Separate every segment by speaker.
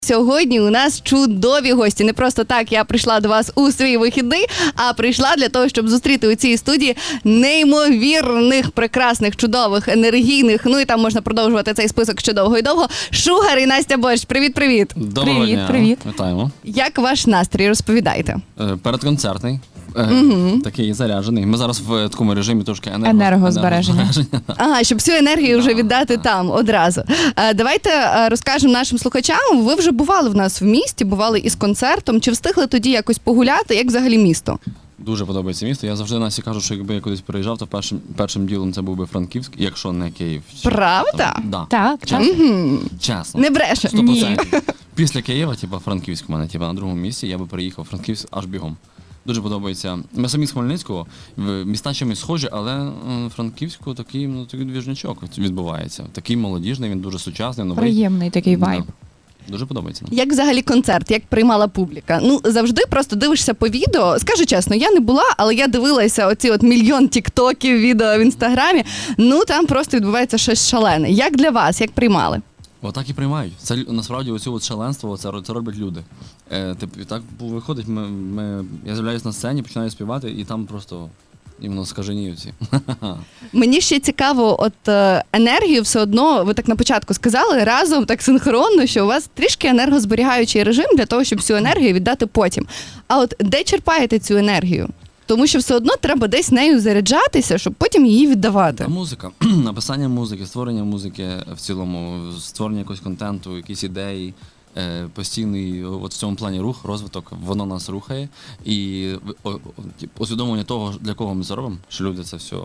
Speaker 1: Сьогодні у нас чудові гості. Не просто так я прийшла до вас у свій вихідний, а прийшла для того, щоб зустріти у цій студії неймовірних, прекрасних, чудових, енергійних, ну і там можна продовжувати цей список ще довго і довго. Шугар і Настя Борщ. Привіт-привіт.
Speaker 2: Доброго дня.
Speaker 3: Привіт.
Speaker 2: Вітаємо.
Speaker 1: Як ваш настрій? Розповідайте.
Speaker 2: Передконцертний. Такий заряджений. Ми зараз в такому режимі трошки
Speaker 3: Енергозбереження.
Speaker 1: Ага, щоб всю енергію вже віддати там одразу. Давайте розкажемо нашим слухачам. Ви вже бували в нас в місті, бували із концертом. Чи встигли тоді якось погуляти? Як взагалі місто?
Speaker 2: Дуже подобається місто. Я завжди Насі кажу, що якби я кудись приїжджав, то першим ділом це був би Франківськ, якщо не Київ.
Speaker 1: Правда?
Speaker 2: Да.
Speaker 3: Так.
Speaker 2: Чесно.
Speaker 1: Не бреше.
Speaker 2: 100%. Після Києва, Франківськ у мене, на другому місці, я би приїхав Франківськ аж бігом. Дуже подобається. Ми самі з Хмельницького, міста чимось схожі, але Франківську такий двіжнячок відбувається. Такий молодіжний, він дуже сучасний, новий.
Speaker 3: Приємний такий вайб.
Speaker 2: Дуже подобається.
Speaker 1: Як взагалі концерт, як приймала публіка? Ну, завжди просто дивишся по відео. Скажу чесно, я не була, але я дивилася оці мільйон тіктоків, відео в інстаграмі. Ну, там просто відбувається щось шалене. Як для вас, як приймали?
Speaker 2: Отак і приймають. Це насправді оцю шаленство, це роблять люди. Так виходить, я з'являюсь на сцені, починаю співати, і там просто іменно скаженіються.
Speaker 1: Мені ще цікаво, енергію все одно, ви так на початку сказали, разом так синхронно, що у вас трішки енергозберігаючий режим для того, щоб всю енергію віддати потім. А де черпаєте цю енергію? Тому що все одно треба десь нею заряджатися, щоб потім її віддавати.
Speaker 2: А музика, написання музики, створення музики в цілому, створення якогось контенту, якісь ідеї, постійний в цьому плані рух, розвиток, воно нас рухає. І усвідомлення того, для кого ми це робимо, що люди це все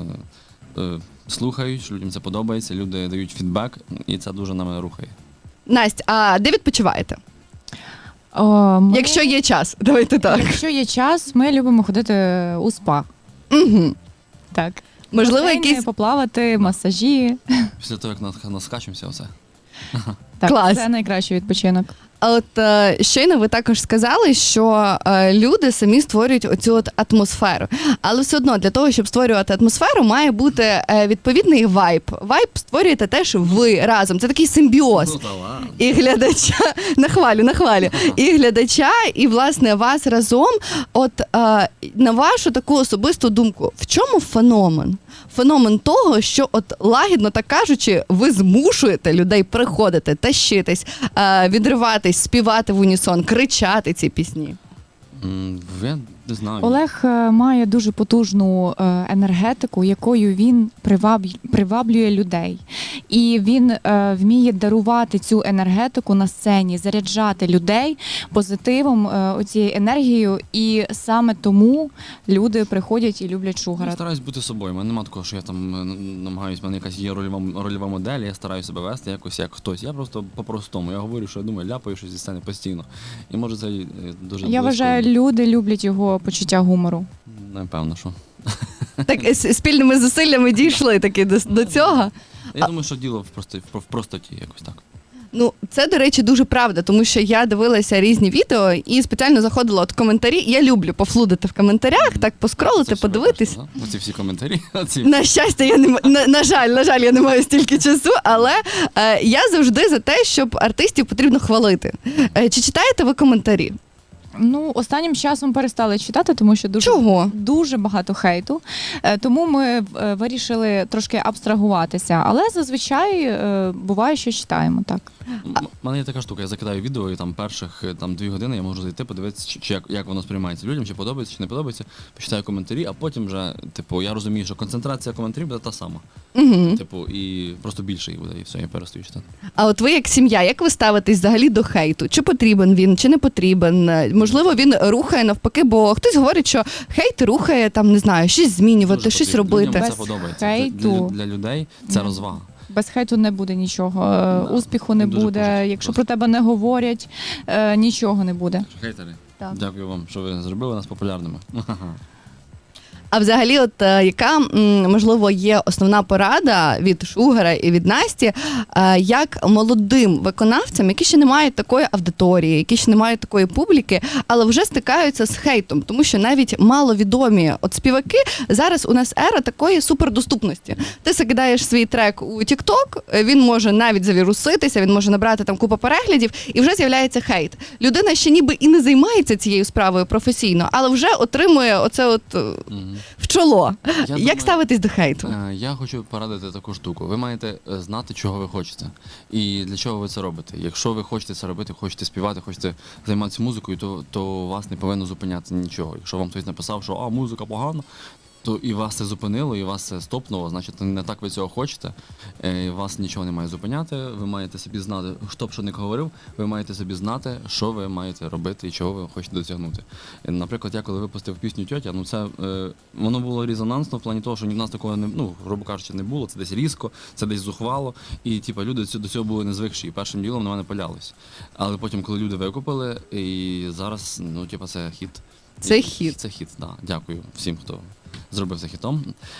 Speaker 2: слухають, що людям це подобається, люди дають фідбек, і це дуже нами рухає.
Speaker 1: Настя, а де відпочиваєте? Якщо є час, давайте так.
Speaker 3: Якщо є час, ми любимо ходити у спа.
Speaker 1: Угу.
Speaker 3: Так.
Speaker 1: Можливо,
Speaker 3: басейни,
Speaker 1: якісь...
Speaker 3: Поплавати, масажі.
Speaker 2: Після того, як наскачемося, оце.
Speaker 3: Так,
Speaker 1: Клас.
Speaker 3: це найкращий відпочинок.
Speaker 1: А щойно ви також сказали, що люди самі створюють оцю атмосферу. Але все одно для того, щоб створювати атмосферу, має бути відповідний вайб. Вайб створюєте теж ви разом. Це такий симбіоз.
Speaker 2: Ну, та ладно.
Speaker 1: І глядача, нахвалю. І глядача, і, власне, вас разом. На вашу таку особисту думку, в чому феномен? Феномен того, що лагідно так кажучи, ви змушуєте людей приходити, тащитись, відриватись, співати в унісон, кричати ці пісні.
Speaker 2: Я не знаю.
Speaker 3: Олег має дуже потужну енергетику, якою він приваблює людей. І він вміє дарувати цю енергетику на сцені, заряджати людей позитивом, оцією енергією. І саме тому люди приходять і люблять Шугара.
Speaker 2: Я стараюсь бути собою. У мене немає такого, що я там намагаюсь, в мене якась є рольова модель, я стараюсь себе вести якось як хтось. Я просто по-простому. Я говорю, що я думаю, ляпаю щось зі сцени постійно. І може це дуже
Speaker 3: Я вважаю, люди люблять його почуття гумору.
Speaker 2: Напевно, що.
Speaker 1: Так, спільними зусиллями дійшли таки до цього.
Speaker 2: Я думаю, що діло в простоті якось так.
Speaker 1: Ну, це, до речі, дуже правда, тому що я дивилася різні відео і спеціально заходила в коментарі. Я люблю пофлудити в коментарях, так поскролити, подивитись.
Speaker 2: Оці всі коментарі.
Speaker 1: На щастя, я не на жаль, я не маю стільки часу, але я завжди за те, щоб артистів потрібно хвалити. Чи читаєте ви коментарі?
Speaker 3: Ну, останнім часом перестали читати, тому що дуже багато хейту. Тому ми вирішили трошки абстрагуватися. Але зазвичай буває, що читаємо, так.
Speaker 2: У мене є така штука, я закидаю відео, і там перших 2 години я можу зайти, подивитися, як воно сприймається людям, чи подобається, чи не подобається, почитаю коментарі, а потім вже, я розумію, що концентрація коментарів буде та сама.
Speaker 1: Угу.
Speaker 2: І просто більше їх буде, і все, я перестаю читати.
Speaker 1: А ви як сім'я, як ви ставитесь взагалі до хейту? Чи потрібен він, чи не потрібен? Можливо, він рухає навпаки, бо хтось говорить, що хейт рухає, не знаю, щось змінювати,
Speaker 2: Дуже
Speaker 1: щось
Speaker 2: потрібно.
Speaker 1: робити.
Speaker 2: Людям це подобається.
Speaker 3: Хейту.
Speaker 2: Для людей це розвага.
Speaker 3: Без хейту не буде нічого, успіху не
Speaker 2: дуже
Speaker 3: буде.
Speaker 2: позитивно.
Speaker 3: Якщо про тебе не говорять, нічого не буде.
Speaker 2: Хейтери,
Speaker 3: Так.
Speaker 2: дякую вам, що ви зробили нас популярними.
Speaker 1: А взагалі, от яка, можливо, є основна порада від Шугара і від Насті, як молодим виконавцям, які ще не мають такої аудиторії, які ще не мають такої публіки, але вже стикаються з хейтом, тому що навіть маловідомі от співаки, зараз у нас ера такої супердоступності. Ти закидаєш свій трек у TikTok, він може навіть завіруситися, він може набрати там купу переглядів, і вже з'являється хейт. Людина ще ніби і не займається цією справою професійно, але вже отримує оце от в чоло. Як ставитись до хейту?
Speaker 2: Я хочу порадити таку штуку. Ви маєте знати, чого ви хочете. І для чого ви це робите. Якщо ви хочете це робити, хочете співати, хочете займатися музикою, то вас не повинно зупиняти нічого. Якщо вам хтось написав, що музика погана, то і вас це зупинило, і вас це стопнуло, значить не так ви цього хочете, і вас нічого не має зупиняти, ви маєте собі знати, хто б що не говорив, ви маєте собі знати, що ви маєте робити і чого ви хочете досягнути. Наприклад, я коли випустив пісню «Тьотя», це, воно було резонансно в плані того, що ні в нас такого, грубо кажучи, не було, це десь різко, це десь зухвало, і люди до цього були не звикші, і першим ділом на мене палялись. Але потім, коли люди викупили, і зараз, це хіт.
Speaker 1: Це хіт.
Speaker 2: Це хіт, так. Дякую всім, хто зробив це хітом,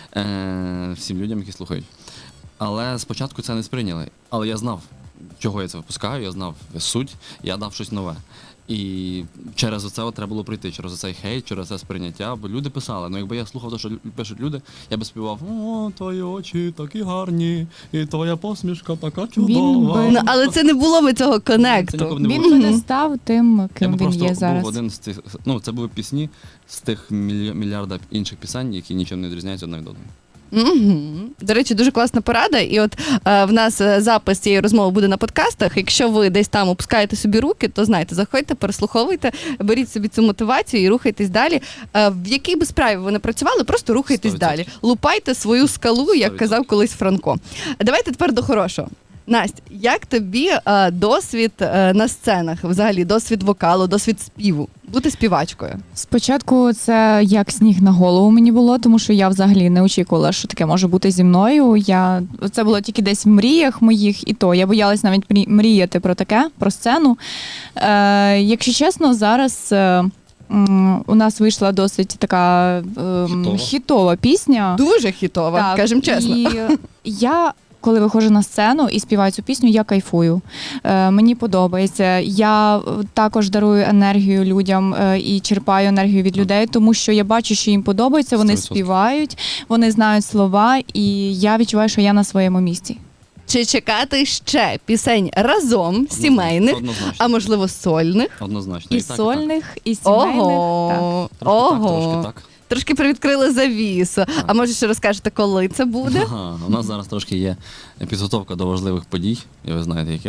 Speaker 2: всім людям, які слухають. Але спочатку це не сприйняли. Але я знав, чого я це випускаю, я знав суть, я дав щось нове. І через оце треба було прийти, через оцей хейт, через це сприйняття, бо люди писали. Якби я слухав те, що пишуть люди, я би співав: «О, твої очі такі гарні, і твоя посмішка така чудова».
Speaker 1: Але це не було би цього конекту.
Speaker 3: Він би не став тим, ким він є зараз.
Speaker 2: Був один з тих, це були пісні з тих мільярда інших пісень, які нічим не відрізняються одна від одної.
Speaker 1: До речі, дуже класна порада. І от в нас запис цієї розмови буде на подкастах. Якщо ви десь там опускаєте собі руки, то знайте, заходьте, переслуховуйте, беріть собі цю мотивацію і рухайтесь далі. В якій би справі ви не працювали, просто рухайтесь
Speaker 2: 100%.
Speaker 1: далі. Лупайте свою скалу, як
Speaker 2: 100%.
Speaker 1: казав колись Франко. Давайте тепер до хорошого. Настя, як тобі досвід на сценах, взагалі досвід вокалу, досвід співу, бути співачкою?
Speaker 3: Спочатку це як сніг на голову мені було, тому що я взагалі не очікувала, що таке може бути зі мною. Це було тільки десь в мріях моїх, і то я боялась навіть мріяти про таке, про сцену. Якщо чесно, зараз у нас вийшла досить така хітова пісня.
Speaker 1: Дуже хітова,
Speaker 3: Так,
Speaker 1: кажемо чесно.
Speaker 3: І я, коли виходжу на сцену і співаю цю пісню, я кайфую. Мені подобається. Я також дарую енергію людям і черпаю енергію від людей, тому що я бачу, що їм подобається, вони
Speaker 2: 100%.
Speaker 3: співають, вони знають слова, і я відчуваю, що я на своєму місці.
Speaker 1: Чи чекати ще пісень разом, сімейних,
Speaker 2: Однозначно.
Speaker 1: а можливо сольних?
Speaker 2: Однозначно.
Speaker 3: І
Speaker 2: так,
Speaker 3: сольних, і сімейних. Так.
Speaker 1: Ого,
Speaker 2: Трошки так.
Speaker 1: Трошки привідкрили завісу. А може ще розкажете, коли це буде?
Speaker 2: Ага, у нас зараз трошки є підготовка до важливих подій, і ви знаєте яких.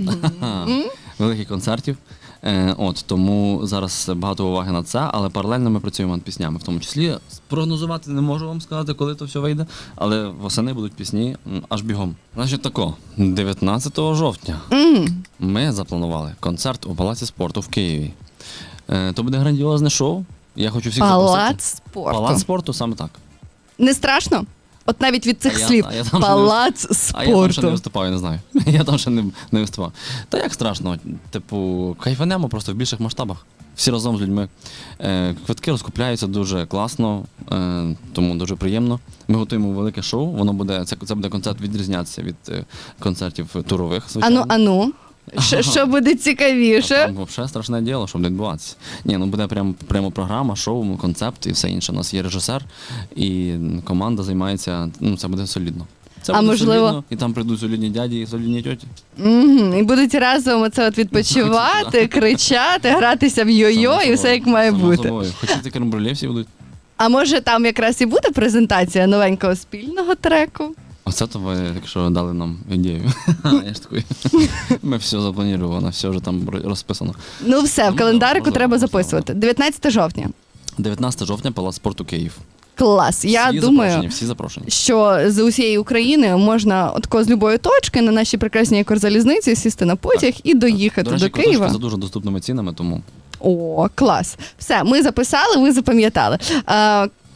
Speaker 2: Великих концертів. Тому зараз багато уваги на це, але паралельно ми працюємо над піснями. В тому числі спрогнозувати не можу вам сказати, коли то все вийде, але восени будуть пісні аж бігом. Значить тако, 19 жовтня ми запланували концерт у Палаці спорту в Києві. То буде грандіозне шоу. Я хочу всіх запросити.
Speaker 1: Палац спорту.
Speaker 2: Палац спорту, саме так.
Speaker 1: Не страшно? От навіть від цих
Speaker 2: А я-
Speaker 1: слів.
Speaker 2: а я там
Speaker 1: Палац
Speaker 2: А я там ще не
Speaker 1: спорту.
Speaker 2: виступаю, не знаю. Я там ще не виступав. Та як страшно, кайфанемо просто в більших масштабах. Всі разом з людьми. Квитки розкупляються дуже класно, тому дуже приємно. Ми готуємо велике шоу, це буде концерт відрізнятися від концертів турових, звичайно.
Speaker 1: Ану. Що буде цікавіше?
Speaker 2: Там взагалі страшне діло, щоб відбуватися. Буде прямо програма, шоу, концепт і все інше. У нас є режисер, і команда займається, це буде солідно. Це буде
Speaker 1: можливо-
Speaker 2: солідно, і там прийдуть солідні дяді і солідні тьоті.
Speaker 1: І будуть разом оце от відпочивати, кричати, гратися в йо-йо і все як має бути.
Speaker 2: Хочете крембруле всі будуть?
Speaker 1: А може там якраз і буде презентація новенького спільного треку?
Speaker 2: Оце то ви, якщо дали нам ідею. Я ж такий. Ми все запланувано, все вже там розписано.
Speaker 1: Ну все, в календарику
Speaker 2: можливо,
Speaker 1: треба
Speaker 2: можливо.
Speaker 1: записувати. 19 жовтня.
Speaker 2: 19 жовтня, Палац спорту Київ.
Speaker 1: Клас. Я
Speaker 2: Всі
Speaker 1: думаю,
Speaker 2: запрошені, всі запрошені.
Speaker 1: що з усієї України можна отко з любої точки на нашій прекрасній Укрзалізниці сісти на потяг і доїхати
Speaker 2: До речі,
Speaker 1: до Києва.
Speaker 2: квиточки за дуже доступними цінами, тому
Speaker 1: О, клас. Все, ми записали, ви запам'ятали.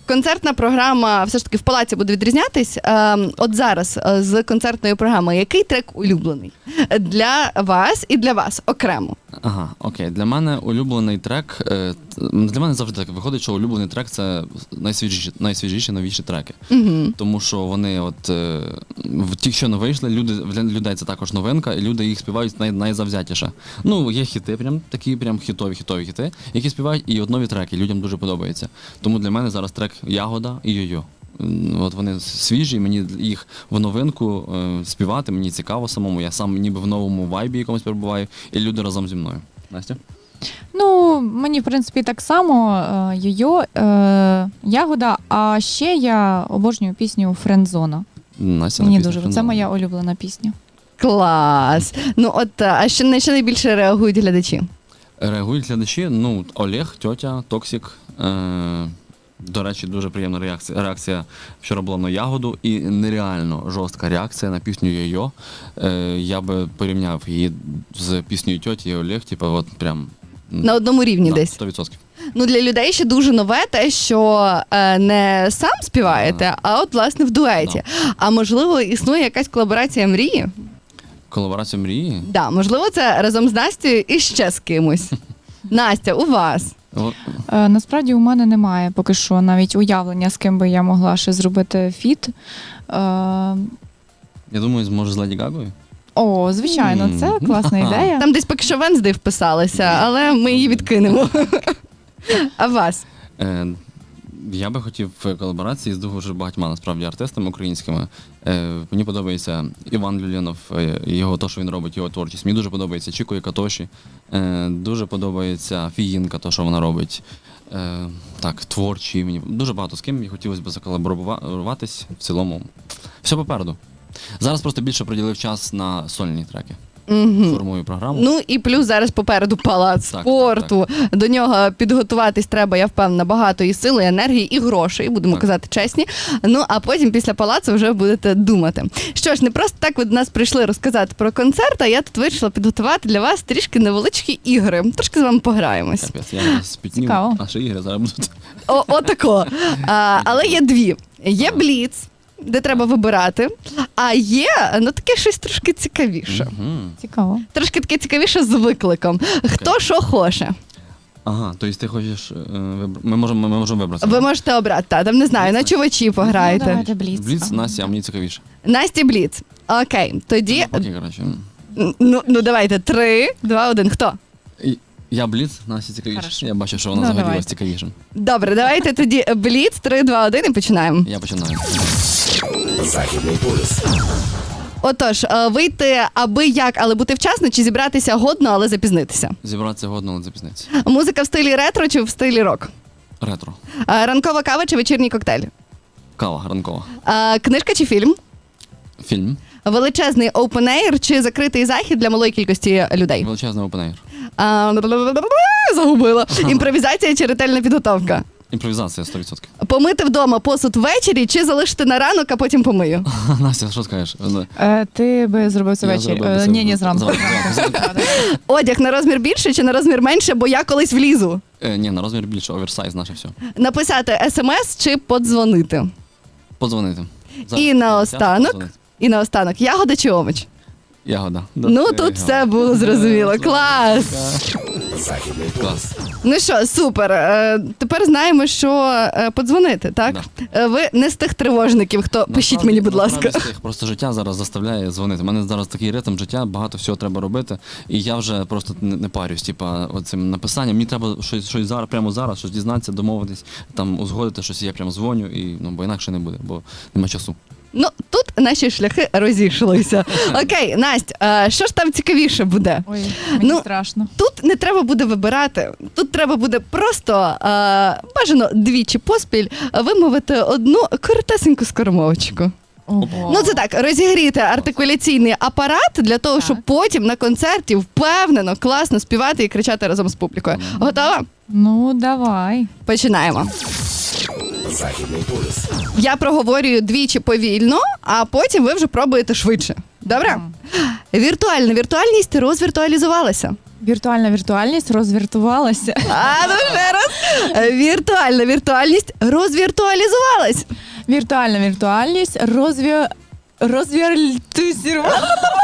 Speaker 1: концертна програма все ж таки в палаці буде відрізнятись. От зараз з концертної програми, який трек улюблений для вас і для вас окремо?
Speaker 2: Ага, окей. Для мене улюблений трек. Для мене завжди так виходить, що улюблений трек це найсвіжіші новіші треки.
Speaker 1: Угу.
Speaker 2: Тому що вони ті, що не вийшли, для людей це також новинка, і люди їх співають найзавзятіше. Ну, є хіти, такі хітові хіти, які співають, і от нові треки, людям дуже подобається. Тому для мене зараз трек Ягода і Йо-Йо. От вони свіжі, мені їх в новинку співати, мені цікаво самому, я сам ніби в новому вайбі якомусь перебуваю, і люди разом зі мною. Настя?
Speaker 3: Ну, мені, в принципі, так само Йо-Йо, Ягода, а ще я обожнюю пісню «Френдзона».
Speaker 2: Настя
Speaker 3: Мені
Speaker 2: написала
Speaker 3: дуже, це
Speaker 2: «Френдзона».
Speaker 3: моя улюблена пісня.
Speaker 1: Клас! Ну от, а що найбільше реагують глядачі?
Speaker 2: Реагують глядачі, ну, Олег, тьотя, Токсік. До речі, дуже приємна реакція вчора була на Ягоду, і нереально жорстка реакція на пісню Йо-Йо. Я би порівняв її з піснею тьоті і Олег, типу, от прям...
Speaker 1: На одному рівні
Speaker 2: да,
Speaker 1: десь?
Speaker 2: 100%.
Speaker 1: Ну, для людей ще дуже нове те, що не сам співаєте, а от, власне, в дуеті. А можливо, існує якась колаборація мрії?
Speaker 2: Колаборація мрії?
Speaker 1: Да, можливо, це разом з Настею і ще з кимось. Настя, у вас?
Speaker 3: Насправді у мене немає поки що навіть уявлення, з ким би я могла ще зробити фіт.
Speaker 2: Я думаю, може з Леді Гагою?
Speaker 3: О, звичайно, це класна ідея.
Speaker 1: Там десь поки що Венздей вписалася, але ми її відкинемо. А вас?
Speaker 2: Я би хотів в колаборації з дуже багатьма насправді артистами українськими. Мені подобається Іван Люленов, його те, що він робить, його творчість. Мені дуже подобається Чіко і Катоші. Дуже подобається Фіїнка, те, що вона робить. Так, творчі. Мені дуже багато з ким хотілося б заколаборуватись. В цілому все попереду. Зараз просто більше приділив час на сольні треки.
Speaker 1: Угу.
Speaker 2: Формую програму.
Speaker 1: Ну і плюс зараз попереду палац спорту. До нього підготуватись треба, я впевнена, багато і сили, і енергії, і грошей, будемо казати чесні. Ну а потім після палацу вже будете думати. Що ж, не просто так ви до нас прийшли розказати про концерт, а я тут вирішила підготувати для вас трішки невеличкі ігри. Трошки з вами пограємось.
Speaker 2: Капець, я спітнів.
Speaker 3: Цікаво.
Speaker 2: Наші ігри зараз будуть.
Speaker 1: Отако. Але є дві. Є бліц, де треба вибирати, а є, ну, таке щось трошки цікавіше.
Speaker 3: Цікаво.
Speaker 1: Трошки таке цікавіше з викликом. Хто що хоче.
Speaker 2: Ага, тобто ти хочеш ми можемо вибрати.
Speaker 1: Ви можете обрати, там не знаю, на чувачі
Speaker 3: Ну,
Speaker 1: пограєте.
Speaker 3: давайте бліц.
Speaker 2: Бліц, Настя, а мені цікавіше.
Speaker 1: Насті бліц. Окей, тоді,
Speaker 2: Окей, коротше.
Speaker 1: ну давайте, 3, 2, 1, хто?
Speaker 2: Я Бліц, Настя цікавіше.
Speaker 3: Хорошо.
Speaker 2: Я бачу, що вона
Speaker 3: Ну,
Speaker 2: загорілась
Speaker 3: давайте.
Speaker 2: цікавішим.
Speaker 1: Добре, давайте тоді бліц, 3, 2, 1 і починаємо.
Speaker 2: Я починаю.
Speaker 4: Західний полюс.
Speaker 1: Отож, вийти аби як, але бути вчасно, чи зібратися годно, але запізнитися?
Speaker 2: Зібратися годно, але запізнитися.
Speaker 1: Музика в стилі ретро чи в стилі рок?
Speaker 2: Ретро.
Speaker 1: Ранкова кава чи вечірній коктейль?
Speaker 2: Кава, ранкова.
Speaker 1: Книжка чи фільм?
Speaker 2: Фільм.
Speaker 1: Величезний open-air чи закритий захід для малої кількості людей?
Speaker 2: Величезний опенейр.
Speaker 1: Загубила. Імпровізація чи ретельна підготовка?
Speaker 2: Імпровізація 100%.
Speaker 1: Помити вдома посуд ввечері чи залишити на ранок, а потім помию?
Speaker 2: Настя, що скажеш?
Speaker 3: Ти би зробив це
Speaker 2: Я
Speaker 3: ввечері?
Speaker 2: зробив би це
Speaker 3: Ні, зранку.
Speaker 1: Одяг на розмір більше чи на розмір менше, бо я колись влізу?
Speaker 2: Ні, на розмір більше, оверсайз, наше все.
Speaker 1: Написати смс чи подзвонити?
Speaker 2: Подзвонити.
Speaker 1: І наостанок, ягода чи овоч?
Speaker 2: Ягода.
Speaker 1: Ну, тут все було зрозуміло. Клас!
Speaker 4: Західний полюс.
Speaker 2: Клас.
Speaker 1: Ну що, супер. Тепер знаємо, що подзвонити, так? Ви не з тих тривожників, хто пишіть мені, будь ласка.
Speaker 2: Насправді, просто життя зараз заставляє дзвонити. У мене зараз такий ритм життя, багато всього треба робити. І я вже просто не парюсь, оцим написанням. Мені треба щось зараз, прямо зараз, щось дізнатися, домовитись, там узгодити щось, я прямо дзвоню, бо інакше не буде, бо нема часу.
Speaker 1: Ну, тут наші шляхи розійшлися. Окей, Настя, що ж там цікавіше буде?
Speaker 3: Ой, мені
Speaker 1: Ну,
Speaker 3: страшно.
Speaker 1: Тут не треба буде вибирати. Тут треба буде просто бажано двічі поспіль вимовити одну коротесеньку скоромовочку.
Speaker 3: Ого.
Speaker 1: Ну це так, розігріти артикуляційний апарат для того,
Speaker 3: Так.
Speaker 1: щоб потім на концерті впевнено, класно співати і кричати разом з публікою. Готова?
Speaker 3: Ну, давай.
Speaker 1: Починаємо.
Speaker 4: Західний полюс.
Speaker 1: Я проговорюю двічі повільно, а потім ви вже пробуєте швидше. Добре? Віртуальна віртуальність розвіртуалізувалася.
Speaker 3: Віртуальна віртуальність розвіртувалася.
Speaker 1: А ну ще раз. Віртуальна віртуальність розвіртуалізувалась.
Speaker 3: Віртуальна віртуальність розвіртуалізувалася.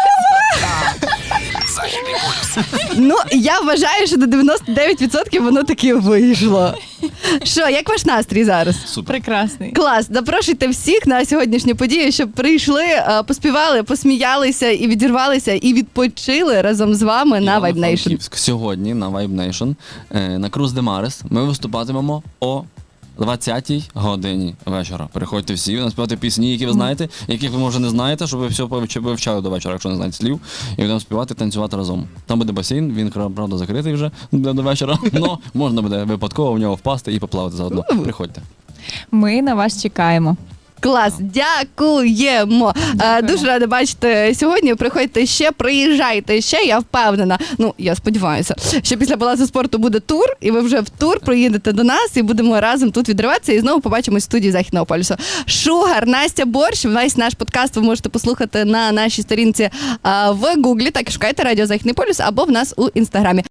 Speaker 4: Західний полюс.
Speaker 1: Ну, я вважаю, що до 99% воно таки вийшло. Що, як ваш настрій зараз?
Speaker 2: Супер.
Speaker 3: Прекрасний.
Speaker 1: Клас, запрошуйте всіх на сьогоднішню подію, щоб прийшли, поспівали, посміялися і відірвалися, і відпочили разом з вами на Vibe Nation.
Speaker 2: Івано-Франківськ. Сьогодні на Vibe Nation на Cruz de Mares ми виступатимемо о 20-й годині вечора. Приходьте всі, будемо співати пісні, які ви знаєте, яких ви, може, не знаєте, щоб ви все вивчали до вечора, якщо не знаєте слів, і будемо співати, танцювати разом. Там буде басейн, він, правда, закритий вже до вечора, але можна буде випадково в нього впасти і поплавати заодно. Приходьте.
Speaker 3: Ми на вас чекаємо.
Speaker 1: Клас, дякуємо. Дуже рада бачити сьогодні. Приходьте ще, приїжджайте ще, я впевнена. Ну, я сподіваюся, що після Палацу спорту буде тур, і ви вже в тур приїдете до нас і будемо разом тут відриватися і знову побачимось в студії Західного полюсу. Шугар, Настя Борщ, весь наш подкаст ви можете послухати на нашій сторінці в Гуглі, так і шукайте Радіо Західний полюс або в нас у Інстаграмі.